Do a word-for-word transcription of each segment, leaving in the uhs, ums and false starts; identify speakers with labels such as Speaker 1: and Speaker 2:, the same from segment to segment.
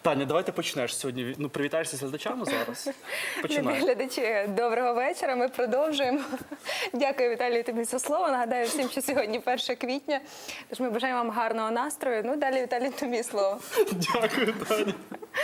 Speaker 1: Таня, давай ти почнеш сьогодні. Ну, привітаєшся з глядачами зараз. Починай.
Speaker 2: Глядачі, доброго вечора. Ми продовжуємо. Дякую, Віталію, тобі за слово. Нагадаю всім, що сьогодні перше квітня. Тож ми бажаємо вам гарного настрою. Ну, далі, Віталій, тобі слово.
Speaker 1: Дякую, Таня.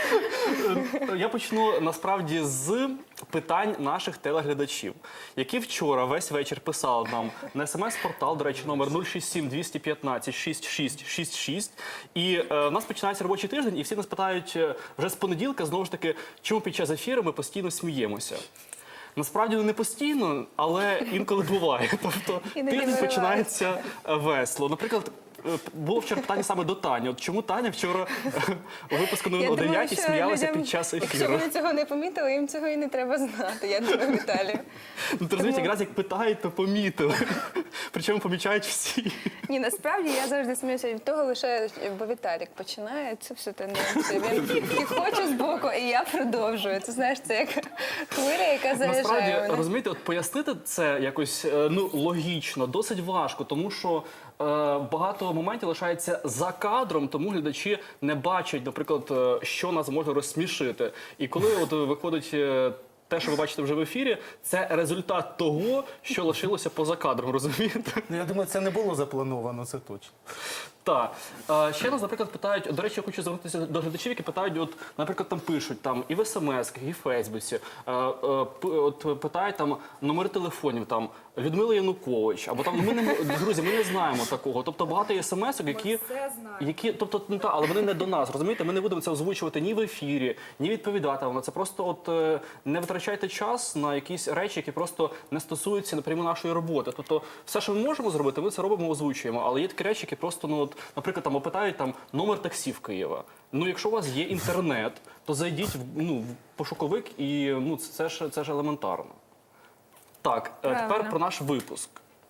Speaker 1: Я почну, насправді, з питань наших телеглядачів, які вчора весь вечір писали нам на смс-портал, до речі, номер нуль шість сім двісті п'ятнадцять шістдесят шість шістдесят шість. І е, в нас починається робочий тиждень, і всі нас питають е, вже з понеділка, знову ж таки, чому під час ефіру ми постійно сміємося. Насправді не постійно, але інколи буває. Тобто тиждень починається весело. Наприклад, було вчора питання саме до Тані. От чому Таня вчора у випуску о дев'ятій сміялася під час ефіру?
Speaker 2: Якщо вони цього не помітили, їм цього і не треба знати, я думаю, Віталію.
Speaker 1: Ну, ти розумієш, якраз як питають, то помітили. Причому помічають всі.
Speaker 2: Ні, насправді я завжди сміюся від того, лише, бо Віталік починає, це все тенденція. Він і хоче збоку, і я продовжую. Це, знаєш, це як хвиля, яка заряджає
Speaker 1: Насправді,
Speaker 2: мене.
Speaker 1: розумієте, от пояснити це якось ну, логічно, досить важко, тому що е, багато моментів лишається за кадром, тому глядачі не бачать, наприклад, е, що нас може розсмішити. І коли от виходить е, те, що ви бачите вже в ефірі, це результат того, що лишилося поза кадром, розумієте?
Speaker 3: Ну, я думаю, це не було заплановано, це точно.
Speaker 1: Так. Е, Ще нас, наприклад, питають, до речі, я хочу звернутися до глядачів, які питають, от, наприклад, там пишуть там і в смс-ках, і в Фейсбуці, е, е, п- от питають там номери телефонів, там Людмила Янукович, або там ми не друзі, ми не знаємо такого. Тобто багато є смс-ок, які, які, тобто, ну, та, але вони не до нас, розумієте? Ми не будемо це озвучувати ні в ефірі, ні відповідати на це. Просто от е, не витрачайте час на якісь речі, які просто не стосуються напряму нашої роботи. Тобто, все, що ми можемо зробити, ми це робимо, озвучуємо. Але є такі речі, які просто, ну, от, наприклад, там опитають там номер таксі в Києва. Ну, якщо у вас є інтернет, то зайдіть в, ну, в пошуковик і ну, це ж, це ж елементарно. Так, е, тепер
Speaker 2: Правильно.
Speaker 1: про наш випуск.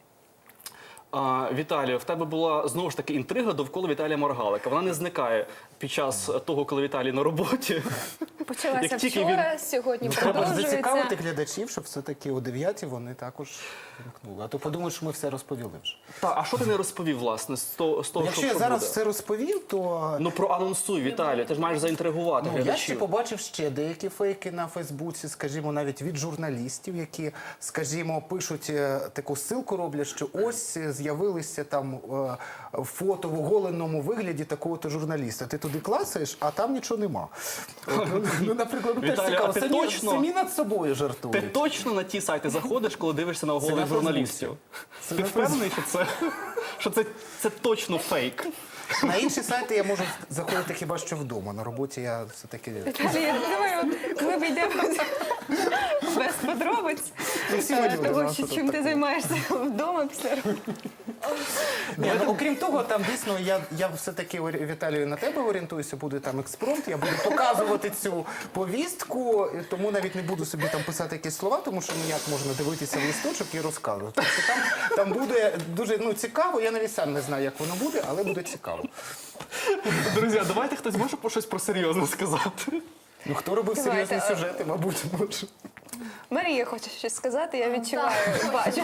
Speaker 1: А, Віталію, в тебе була знову ж таки інтрига довкола Віталія Маргалика. Вона не зникає під час того, коли Віталій на роботі.
Speaker 2: Почалася
Speaker 1: Як тільки
Speaker 2: вчора, сьогодні
Speaker 3: Треба ж
Speaker 2: продовжується.
Speaker 3: зацікавити глядачів, щоб все-таки о дев'ятій вони також вимкнули. А то подумають, що ми все розповіли вже.
Speaker 1: Та, а що ти не розповів, власне, з того, з того
Speaker 3: Якщо
Speaker 1: що,
Speaker 3: я
Speaker 1: що
Speaker 3: зараз
Speaker 1: буде?
Speaker 3: все розповів, то
Speaker 1: Ну, проанонсуй, Віталій, ти ж маєш заінтригувати
Speaker 3: ну, я ще
Speaker 1: глядачів.
Speaker 3: побачив ще деякі фейки на Фейсбуці, скажімо, навіть від журналістів, які, скажімо, пишуть, е, таку ссылку роблять, що ось е, з'явилися там е, фото в оголеному вигляді такого-то журналіста. Ти туди клацаєш, а там нічого нема. От, ну, ну, наприклад, ну, теж
Speaker 1: Віталій,
Speaker 3: цікаво,
Speaker 1: а ти
Speaker 3: самі,
Speaker 1: точно-
Speaker 3: самі над собою
Speaker 1: Ти
Speaker 3: жартують.
Speaker 1: точно на ті сайти заходиш, коли дивишся на
Speaker 3: на
Speaker 1: оголених
Speaker 3: Фейсбуці.
Speaker 1: журналістів?
Speaker 3: Це
Speaker 1: Ти
Speaker 3: на
Speaker 1: впевнений, що це, що це, це точно фейк?
Speaker 3: На інші сайти я можу заходити хіба що вдома. На роботі я все-таки...
Speaker 2: Віталій, я думаю, от, коли ми йдемо без подробиць
Speaker 3: всі ми
Speaker 2: е,
Speaker 3: люди,
Speaker 2: того,
Speaker 3: ну,
Speaker 2: що,
Speaker 3: що
Speaker 2: чим
Speaker 3: тут
Speaker 2: ти займаєшся вдома після роботи.
Speaker 3: Ні, ну, окрім того, там дійсно я, я все-таки, орі- Віталію, на тебе орієнтуюся, буде там експромт, я буду показувати цю повістку, і тому навіть не буду собі там писати якісь слова, тому що ніяк можна дивитися в листочок і розказувати. Тобто там, там буде дуже ну, цікаво, я навіть сам не знаю, як воно буде, але буде цікаво.
Speaker 1: Друзі, а давайте хтось може про щось про серйозне сказати?
Speaker 3: Ну, хто робив
Speaker 2: Давайте,
Speaker 3: серйозні
Speaker 2: а-
Speaker 3: сюжети, мабуть, може.
Speaker 2: Марія хоче щось сказати, я відчуваю, бачу.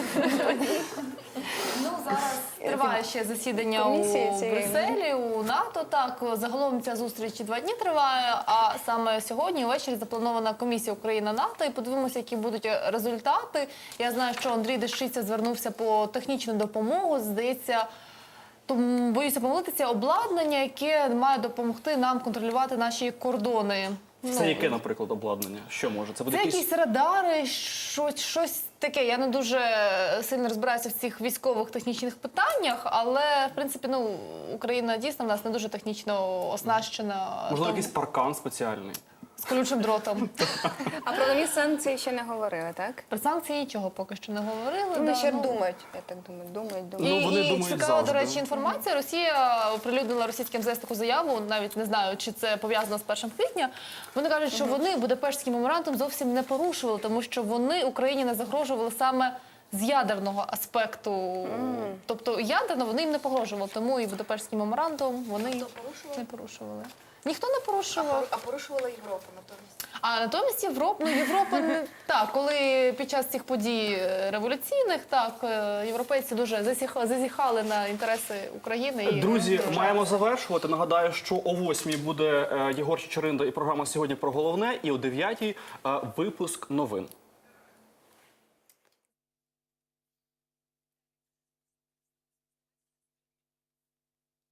Speaker 4: Ну, зараз триває ще засідання у
Speaker 2: Комісії цієї.
Speaker 4: Брюсселі, у НАТО. Так, загалом ця зустріч два дні триває, а саме сьогодні ввечері запланована комісія Україна-НАТО. І подивимося, які будуть результати. Я знаю, що Андрій Дещиця звернувся по технічну допомогу. Здається, тому, боюся помилитися, обладнання, яке має допомогти нам контролювати наші кордони.
Speaker 1: Це
Speaker 4: Ну,
Speaker 1: яке, наприклад, обладнання? Що може? Це буде
Speaker 4: Це
Speaker 1: якийсь...
Speaker 4: якісь радари, щось, щось таке. Я не дуже сильно розбираюся в цих військових технічних питаннях, але, в принципі, ну, Україна дійсно в нас не дуже технічно оснащена.
Speaker 1: Можливо,
Speaker 4: там,
Speaker 1: якийсь паркан спеціальний?
Speaker 4: з колючим дротом.
Speaker 2: А про нові санкції ще не говорили, так?
Speaker 4: Про санкції нічого поки що не говорили.
Speaker 2: Вони
Speaker 4: да,
Speaker 2: ще
Speaker 4: ну.
Speaker 2: думають, я так думаю, думають,
Speaker 4: І,
Speaker 2: думають.
Speaker 1: Ну, вони
Speaker 4: і
Speaker 1: думають
Speaker 4: цікава, до
Speaker 1: завжди.
Speaker 4: речі, інформація. Росія оприлюднила російським ем зе ес таку заяву, навіть не знаю, чи це пов'язано з першим квітня. Вони кажуть, що вони Будапештський меморандум зовсім не порушували, тому що вони Україні не загрожували саме з ядерного аспекту. Mm. Тобто ядерно вони їм не погрожували, тому і Будапештський меморандум вони
Speaker 5: Хто порушував?
Speaker 4: не порушували. Ніхто не порушував.
Speaker 5: А порушувала Європа натомість.
Speaker 4: А натомість Європа, ну Європа не так, коли під час цих подій е, революційних, так е, європейці дуже засіх- зазіхали на інтереси України. І
Speaker 1: Друзі,
Speaker 4: держави.
Speaker 1: маємо завершувати. Нагадаю, що о восьмій буде е, Єгор Чичеринда і програма «Сьогодні про головне», і о дев'ятій е, випуск новин.